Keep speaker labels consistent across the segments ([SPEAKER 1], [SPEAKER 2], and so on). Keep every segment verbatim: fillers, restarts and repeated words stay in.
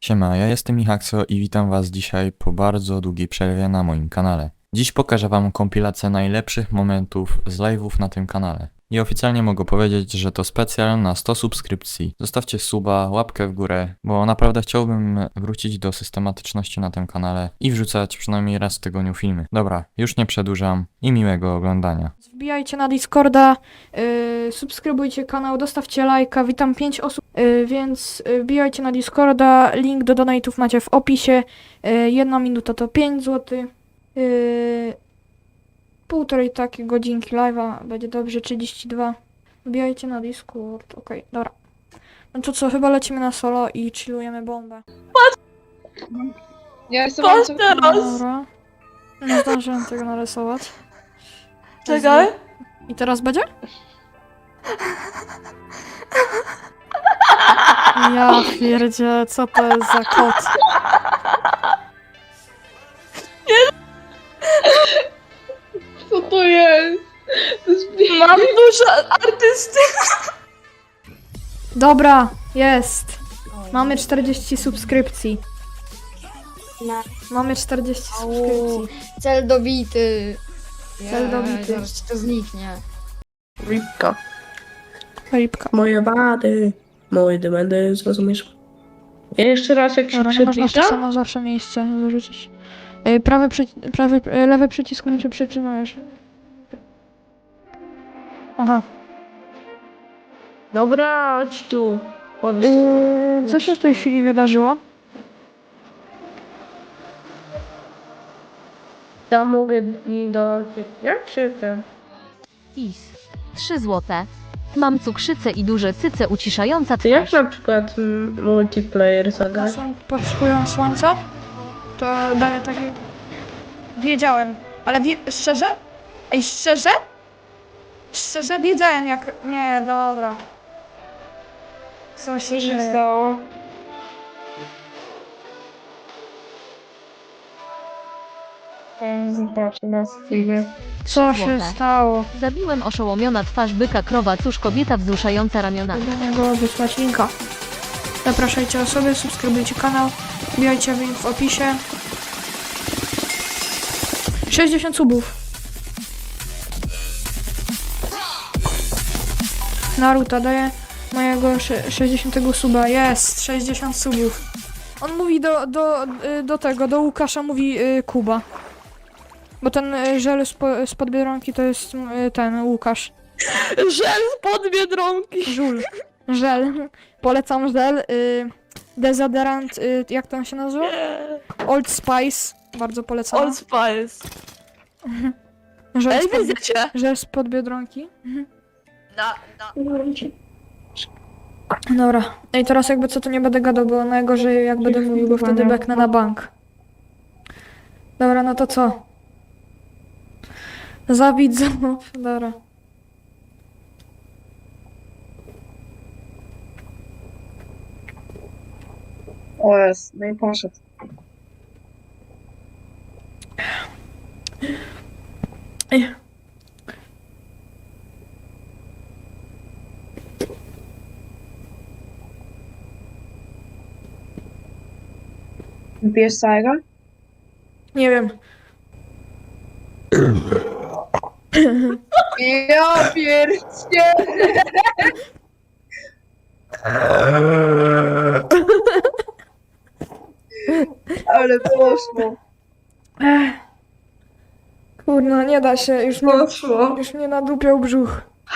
[SPEAKER 1] Siema, ja jestem Michakso i witam was dzisiaj po bardzo długiej przerwie na moim kanale. Dziś pokażę wam kompilację najlepszych momentów z live'ów na tym kanale. I oficjalnie mogę powiedzieć, że to specjal na sto subskrypcji. Zostawcie suba, łapkę w górę, bo naprawdę chciałbym wrócić do systematyczności na tym kanale i wrzucać przynajmniej raz w tygodniu filmy. Dobra, już nie przedłużam i miłego oglądania.
[SPEAKER 2] Wbijajcie na Discorda, yy, subskrybujcie kanał, dostawcie lajka, witam pięć osób, yy, więc yy, wbijajcie na Discorda, link do donate'ów macie w opisie, yy, jedna minuta to pięć złotych, yy, półtorej takiej godzinki live'a, będzie dobrze, trzydzieści dwa, wbijajcie na Discord, okej, okay, dobra. No to co, chyba lecimy na solo i chillujemy bombę.
[SPEAKER 3] Ja jestem
[SPEAKER 4] Patrz
[SPEAKER 3] bardzo...
[SPEAKER 4] teraz!
[SPEAKER 2] Dobra, nie zdążyłem tego narysować.
[SPEAKER 4] Czekaj.
[SPEAKER 2] I teraz będzie? Ja pierdzie, co to jest za kot?
[SPEAKER 3] Co to jest? To jest
[SPEAKER 4] Mam duszę artysty.
[SPEAKER 2] Dobra, jest. Mamy czterdzieści subskrypcji. Mamy czterdzieści subskrypcji.
[SPEAKER 5] Cel dobity.
[SPEAKER 2] Cel dobity.
[SPEAKER 5] Zaraz ci to zniknie.
[SPEAKER 4] Ripka.
[SPEAKER 2] Ripka.
[SPEAKER 4] Moje wady. Moje demendy, zrozumiesz? Jeszcze raz jak się
[SPEAKER 2] Dobra, nie można w to
[SPEAKER 4] przybliża?
[SPEAKER 2] samo zawsze miejsce wyrzucić. Ej, Prawy, przyci- prawy, e, lewy przycisk się przytrzymujesz. Aha.
[SPEAKER 4] Dobra, chodź tu. Chodź.
[SPEAKER 2] Yy, co się w tej chwili wydarzyło?
[SPEAKER 4] Ja mogę do... Jak się ten...
[SPEAKER 6] Is. trzy złote. Mam cukrzycę i duże cyce uciszająca
[SPEAKER 4] To jak
[SPEAKER 6] twarz.
[SPEAKER 4] na przykład mm, multiplayer zagrać?
[SPEAKER 2] Są potrzebują słońca? To daje taki... Wiedziałem, ale wie... szczerze? Ej, szczerze? Szczerze wiedziałem jak... Nie, dobra. Co się dzieje?
[SPEAKER 4] stało? Zobaczę na streamie.
[SPEAKER 2] Co się
[SPEAKER 6] Złote.
[SPEAKER 2] stało?
[SPEAKER 6] Zabiłem oszołomiona twarz byka krowa, cóż kobieta wzruszająca ramionami.
[SPEAKER 2] Do niego wysłać linka. Zapraszajcie osoby, subskrybujcie kanał, wbijajcie link w opisie. sześćdziesiąt subów. Naruto daje mojego sze- sześćdziesiątego suba. Jest, sześćdziesiąt subów. On mówi do, do, y, do tego, do Łukasza mówi y, Kuba. Bo ten y, żel spo, spod Biedronki to jest y, ten Łukasz.
[SPEAKER 4] Żel spod Biedronki!
[SPEAKER 2] Żul. Żel. Polecam żel. Y, dezodorant, y, jak to on się nazywa? Old Spice. Bardzo polecam.
[SPEAKER 4] Old Spice.
[SPEAKER 2] Żel
[SPEAKER 4] Ej,
[SPEAKER 2] spod,
[SPEAKER 4] widzicie?
[SPEAKER 2] żel spod Biedronki.
[SPEAKER 4] Na, na.
[SPEAKER 2] Dobra. I teraz jakby co to nie będę gadał, bo najgorzej jak będę mówił, bo wtedy beknę na bank. Dobra, no to co? Za widzów. Dobra.
[SPEAKER 3] O jest, no i poszedł.
[SPEAKER 2] Ej.
[SPEAKER 3] Bierz całego?
[SPEAKER 2] Nie wiem.
[SPEAKER 3] Ja pierdzie! Ale poszło.
[SPEAKER 2] Kurno, nie da się. Już mnie,
[SPEAKER 4] Poszło.
[SPEAKER 2] już mnie nadupiał brzuch.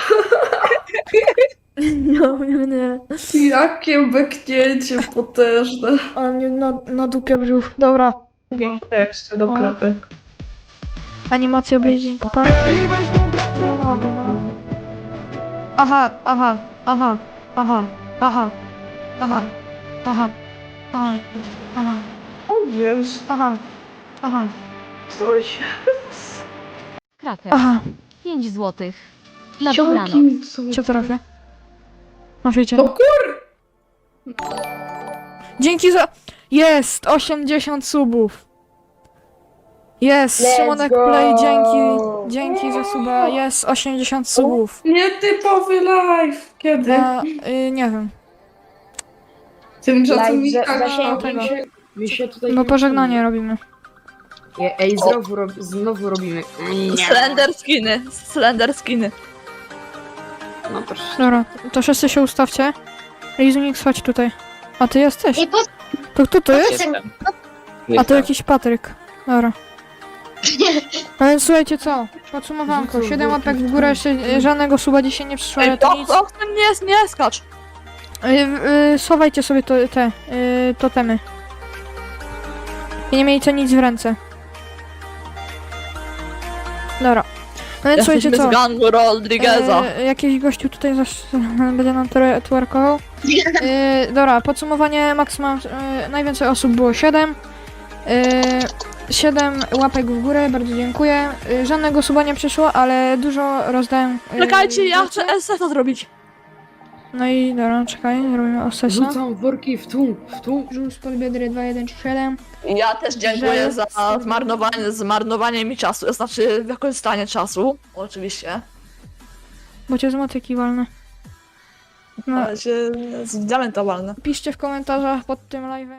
[SPEAKER 2] No, nie, nie.
[SPEAKER 4] Jakie beknięcie potężne.
[SPEAKER 2] Ale mnie na, nadupiał brzuch. Dobra.
[SPEAKER 4] Piękne jeszcze do klapy.
[SPEAKER 2] Animacja obejrzeń. Aha, aha, aha, aha, aha, aha, aha, aha, aha,
[SPEAKER 4] O wiesz.
[SPEAKER 2] aha, aha,
[SPEAKER 4] Coś.
[SPEAKER 6] Kraker.
[SPEAKER 2] aha.
[SPEAKER 6] pięć złotych. Na dobranoc.
[SPEAKER 4] Jakim co?
[SPEAKER 2] Cię trafię. Na świecie.
[SPEAKER 4] No kur...
[SPEAKER 2] Dzięki za... Jest! osiemdziesiąt subów. Jest!
[SPEAKER 3] Let's
[SPEAKER 2] Szymonek
[SPEAKER 3] go!
[SPEAKER 2] Play, dzięki. Dzięki za suba. Jest osiemdziesiąt subów.
[SPEAKER 4] Nietypowy live. Kiedy?
[SPEAKER 2] Na, y, nie wiem.
[SPEAKER 7] Tymczasem
[SPEAKER 3] Live
[SPEAKER 7] mi
[SPEAKER 3] za-
[SPEAKER 7] tak,
[SPEAKER 3] zasięgu.
[SPEAKER 7] mi się, mi się tutaj...
[SPEAKER 2] No pożegnanie robimy.
[SPEAKER 7] Je- Ej, znowu, rob, znowu robimy.
[SPEAKER 8] Slender skiny, slender skiny.
[SPEAKER 7] No proszę.
[SPEAKER 2] Dobra, to wszyscy się ustawcie. Rizunik, chodź tutaj. A ty jesteś?
[SPEAKER 5] Nie, po
[SPEAKER 2] To kto to jest?
[SPEAKER 5] Jestem.
[SPEAKER 2] A to jakiś Patryk. Dobra. No więc słuchajcie co? Podsumowanko. siedem łapek w górę, jeszcze e, żadnego suba dzisiaj nie przyszło, ale
[SPEAKER 8] Ej,
[SPEAKER 2] to
[SPEAKER 8] to,
[SPEAKER 2] nic.
[SPEAKER 8] to w tym nie, nie skacz.
[SPEAKER 2] Y, y, Schowajcie sobie to, te y, totemy. I nie miejcie nic w ręce. Dobra. No więc słuchajcie
[SPEAKER 8] Jesteśmy
[SPEAKER 2] co?
[SPEAKER 8] z gangu Rodrigueza.
[SPEAKER 2] E, jakiś gościu tutaj zaś będzie nam twer- twerkował. E, dobra, podsumowanie maksimum. E, najwięcej osób było siedem. E, siedem łapek w górę, bardzo dziękuję. E, żadnego suba nie przyszło, ale dużo rozdałem. E,
[SPEAKER 8] Czekajcie, ja
[SPEAKER 2] rzeczy.
[SPEAKER 8] chcę S S a zrobić.
[SPEAKER 2] No i dobra, czekaj, robimy osesa.
[SPEAKER 7] Rzucam worki w tu, w tu.
[SPEAKER 2] Żółć pod biedry dwa jeden trzy siedem.
[SPEAKER 8] Ja też dziękuję
[SPEAKER 2] Że-
[SPEAKER 8] za zmarnowanie, zmarnowanie mi czasu, to znaczy wykorzystanie czasu, oczywiście.
[SPEAKER 2] Bo cię z motyki walnę. No,
[SPEAKER 8] Ale się z diamentowane.
[SPEAKER 2] piszcie w komentarzach pod tym live'em.